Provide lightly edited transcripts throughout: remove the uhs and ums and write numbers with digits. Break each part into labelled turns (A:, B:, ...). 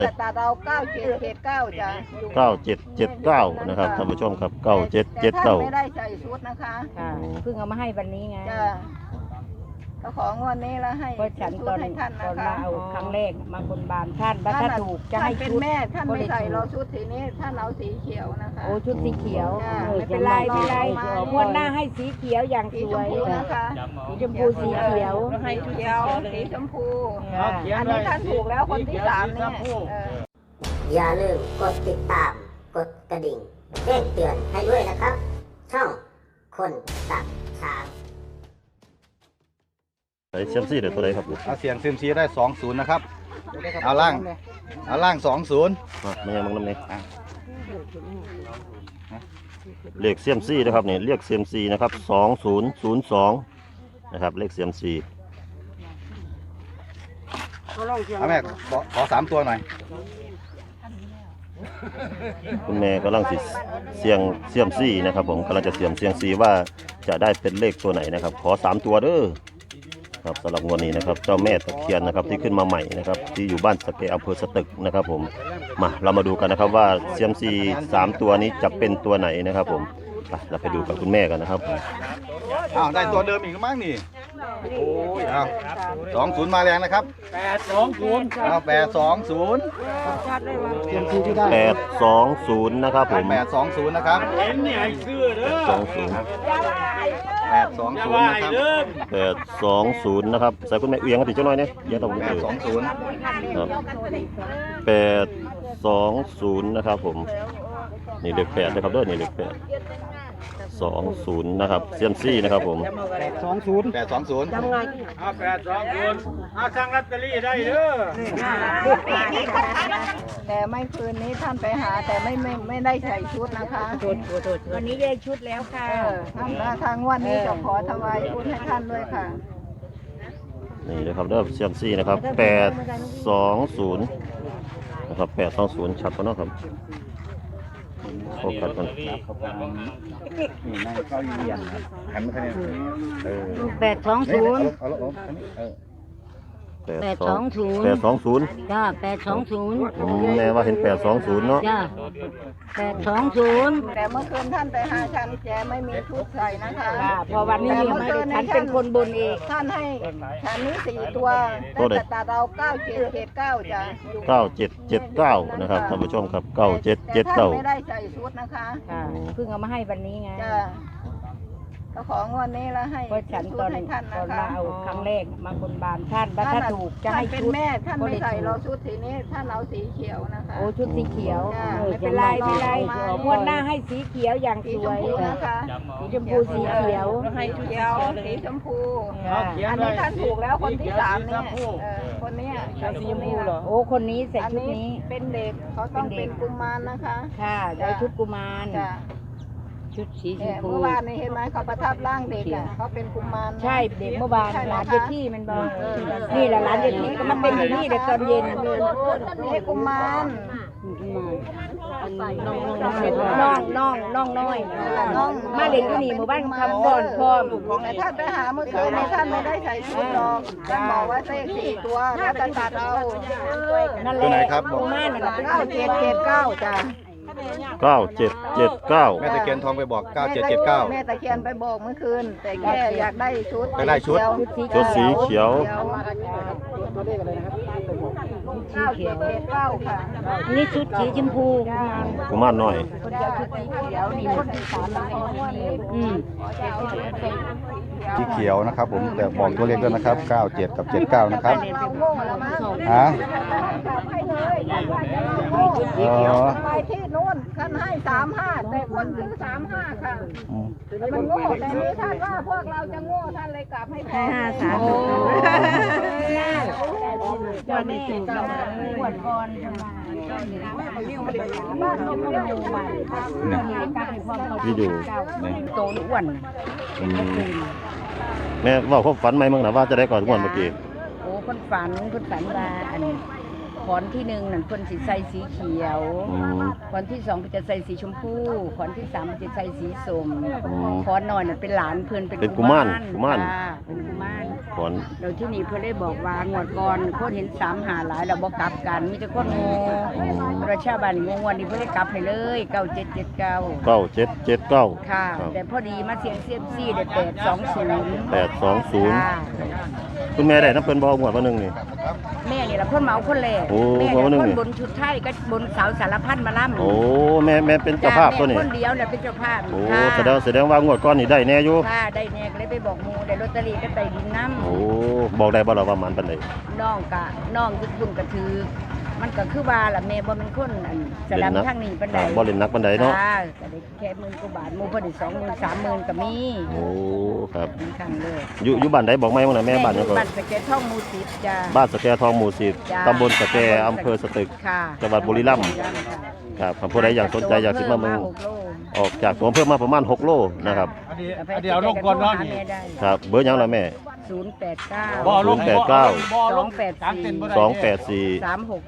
A: แต่ตาเรา9779จ้ะ
B: 9779นะครับท่านผู้ชมครับ9779
A: ไม่ได้ใส่ชุดนะคะ
C: เพิ่งเอามาให้วันนี้ไง
A: จ้ะก็ของวันนี้แล้วให้
C: เพราะฉันตอน
A: ให้ท่าน
C: ต
A: นะ
C: อน
A: คะ
C: มาเอาครั้งแรกมาบนบานท่านว่าถ้าถูกจะให้
A: เป็น
C: ชุด
A: แม่ท่านไม่ใส่เราชุดสีนี้ท่านเอาสีเขียวนะคะ
C: โอ้ชุดสีเขียว
A: จ้ะ
C: ไม่เป็นไรไม่เป็นไรงวดหน้าให้สีเขียวอย่าง
A: สี
C: ส
A: ช
C: ว
A: ม
C: ย
A: พูนะคะ
C: สีชมพูสีเขียว
A: ให้ชุดเขียวสีชมพู
C: ค่ะ
A: อันนี้ท่านถูกแล้วคนที่3เนี่ย
D: อย่าลืมกดติดตาม กดกระดิ่งแจ้งเตือนให้ด้วยนะครับ ช่องคนตัดช้าง
B: ใส่เซียมซี่เดี๋ยวตัวไหนครับ
E: เอาเสียงซิมซีได้20นะครับเอาล่าง20
B: มันยังน้ำเนี่ยเลขเซียมซี่นะครับเนี่ยเรียกเซียมซีนะครับ2002นะครับเลขเซียมซี
E: เอาแม่ขอ3ตัวหน่อย
B: คุณแม่กำลังเสียงเซียมซี่นะครับผมกำลังจะเซียมซีว่าจะได้เป็นเลขตัวไหนนะครับขอ3ตัวเด้อครับสำหรับงวดนี้นะครับเจ้าแม่ตะเคียนนะครับที่ขึ้นมาใหม่นะครับที่อยู่บ้านสะเกอำเภอสตึกนะครับผมมาเรามาดูกันนะครับว่าเซียมซี3ตัวนี้จะเป็นตัวไหนนะครับผมเราไปดูกับคุณแม่กันนะครับ
E: อ้าวได้ตัวเดิมอีกมั้งนี่โอ้ยเอา20มาแรงนะครับ820เอา820
B: 820นะครับผม
E: 820นะครับ
B: 820
E: 820นะครับ
B: 820นะครับใส่คุณแม่เอียงกันติดจังหน่อยเนี่ยเอียงตรงนี้
E: 820
B: ครับ820นะครับผมนี่เลข8นะครับเด้อนี่เลข8 20นะครับเซียมซี่นะครับผม
E: 820
F: ทำไง820สั่งลอตเตอรี่ได้เด้อ
A: แต่ไม่คืนนี้ท่านไปหาแต่ไม่ได้ใส่ชุดนะคะ
C: วันนี้ได้ชุดแล้วค่ะ
A: ท่านทางวันนี้จะขอถวายชุดให้ท่านด้วยค่ะ
B: นี่นะครับเด้อเซียมซี่นะครับ820นะครับ820ชัดกว่าเนาะครับโฟกัสกัน
E: นี่นั่งเข้าเรียนครับหันมาทางนี้
C: 820
B: 820
C: จ้า820
B: แม่ว่าเห็น820เนาะ
C: จ้า820
A: แต่เมื่อคืนท่านไปหาฉันแกไม่มีชุดใส่นะคะ
C: พอวันนี้ฉันเป็นคนบนเอง
A: ท่านให้ฉันนี้4ตัวแต่ตาเรา9779จ้ะ
B: 9779นะครับท่านผู้ชมครับ
A: แต่ท่านไม่
B: 9779
A: ได้ใส่ชุดนะคะ
C: เพิ่งเอามาให้วันนี้ไง
A: จ้ะก็ของวันนี้แล้วให้
C: เพราะฉัน
A: ชุ
C: ต
A: ด
C: อน
A: ให้ท่าน
C: ต
A: นะ
C: อน
A: คะ
C: มาเอาครั้งแรกมาบนบานท่านว่าถ้าถูกจะให้
A: เป็น
C: ชุด
A: แม่ท่านไม่ใส่เราชุดสีนี้ท่านเอาสีเขียวนะคะ
C: โอ้ชุดสีเขียว
A: จ้ะ
C: ไม่เป็นไรไม่เป็นไรงวดหน้าให้สีเขียวอย่าง
A: สี
C: ส
A: ช
C: ว
A: ม
C: ย
A: พูนะคะ
C: สีชมพูสีเขียว
A: ให้ชุดเขียวสีชมพูอันนี้ท่านถูกแล้วคนที่3เนี่ยคนนี้ใส่สีชมพูเหรอ
C: โอ้คนนี้ใส่
A: อัน
C: ชุด
A: นี้
C: นี้
A: เป็นเด็กเขาต้องเป็นกุมารนะคะ
C: ค่ะได้ชุดกุมาร
A: จ้ะ
C: ชุดสีชมพู
A: เมื่อวานนี้เห็นไหมเขาประทับร่างเด็กอ่ะเขาเป็นกุมาร
C: ใช่เด็กเมื่อวานหลานเยที่มันบอกนี่แหละหลานเยที่ก็มันเป็นอย่างนี้เด็กตอนเย็น
A: นี่กุมาร
C: น้องน้อยมาเล่นที่นี่หมู่บ้านคำก่อนพร้อม
A: แต่ท่านไปหาเมื่อคืนนี้ท่านไม่ได้ใส่ชุดหรอกท่านบอกว่าเลข4ตัวแล้วจะตัดเอา
C: นั่นแห
E: ตัว
C: ละ
E: ไหนครับบอก
C: กุมารนั่นแหละ
A: 9779จ้ะ
B: 9779
E: แม่ตะเคียนทองไปบอก
A: แม่
E: 9779
A: ตะเคียนไปบอกเมื่อคืน แต่แค่อยากได้ชุด
E: ไปได้ชุด
B: ชุดสีเขียว
A: 9779ค่ะ
C: นี่ชุดสีชมพู
B: กุมารน้อย
C: คนเดียวชุดสีเขียวนี่คนที่3
E: สีเขียวนะครับผมแต่บอกตัวเลขด้วยนะครับ97กับ79นะครับ
A: เราโง่แล้วมั้ง
E: ฮะ
A: ให้เลยไปที่นู้นท่านให้35แต่คนซื้อ35ค่ะมันโง่แต่นี้ท่านว่าพวกเราจะโง่ท่านเลยกลับให้แพ้
C: โอ้เจ้าแม่ปวดก่อน
A: บ้านเราไม่ได้
B: ที่ดู
C: โตอ้วน
B: แม่ว่าเขาฝันไหมมึงนะว่าจะได้ก่อนงวดเมื่อกี้
C: โอ้คนฝันว่าอันขอนที่หนึ่งนั่นเพิ่นสิใส่สีเขียว
B: อืม
C: ขอนที่สองเพิ่นจะใส่สีชมพูขอนที่สามเพิ่นจะใส่สีส้ม
B: อืม
C: ขอนน้อยน่ะเป็นหลานเพิ่น
B: เป็นกุมารกุมาร
C: ค่ะเป็นกุมาร
B: ขอน
C: โดยที่นี่เพิ่นได้บอกว่างวดก่อนคนเห็น3หาหลายแล้วบ่กลับกันมีแต่คนโง่ประชาบ้านงงวันนี้เพิ่นได้กลับให้เลย9779
B: 9779
C: ค่ะ
B: ครับ
C: แต่พอดีมาเสียงเซียมซี่ได้820
B: 820คุณแม่ได้น้ำเพิ่นบ่งวดวันหนึงนี่
C: แม่นี่ล่ะเพิ่นมาเอาคนแรก
B: โอ้
C: แม่
B: เพราะว่า
C: เนี่ย
B: หนึ่ง
C: คนบนชุดไทยก็บนเสาสารพัดมาล่ำ
B: โอ้แม่เป็นเจ้าภาพตัวนี้
C: แม่คนเดียวเนี่ยเป็นเจ้าภาพ
B: โอ้
C: ค่ะ
B: แสดงว่างวดก่อนนี่ได้แน่อยู่
C: ค่ะได้แน่ก็เลยไปบอกหมูได้ลอตเตอรี่ก็ได้ดินน้ำ
B: โอ้บอกได้บ่ล่ะว่ามันปานใด
C: น้องทุกคนก็ถือมันก็คือว่าล่ะแม่บ่เป็นคนอันสลับทางนี้ปานใด
B: บ่เล่นนักปานใดเนาะ
C: ค่ะก็ได้แค่หมื่นกว่าบาทหมู่เพิ่นได้20,000 30,000ก็มี
B: โอ้ครับ
C: เป็นครั้งเลย
B: อยู่บ้านใดบอกไหมว่าน่ะแม่บ้านหยังก็
C: บ้านสะแกท่องหมู่10จ้า
B: บ้านสะแกทองหมู่
C: จ้า
B: 10ตำบลสะแกอำเภอสตึก
C: ค่ะ
B: จังหวัดบุรีรัมย์ ครับผู้ใดอยากสนใจอยากสิมาเมือง
C: 6โล
B: ออกจากตัวอำเภอมาประมาณ6โลนะครับ
F: อันเดียวลงก่อนเนาะนี่
B: ครับเบอร์หยังล่ะแม่
C: 089
F: บ่ลง
B: 284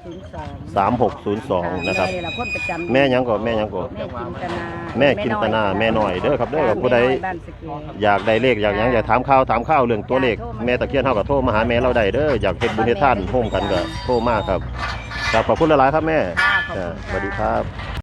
B: 3602 นะครับ
C: แม่นี่ล่ะคนประจำ
B: แม่หยังก็แม่หยังก็
C: แม่จินตนา
B: แม่น้อยเด้อครับเด้อผู้ใด
C: บ้านสะเก
B: อยากได้เลขอยากหยังอยากถามข่าวเรื่องตัวเลขแม่ตะเคียนเฮาก็โทรมาหาแม่เราได้เด้ออยากเฮ็ดบุญเฮ็ดทานร่วมกันก็โทรมาครับครับขอบคุณหลายๆครับแม่
C: ค่ะขอบคุณค่ะ
B: สวัสดีครับ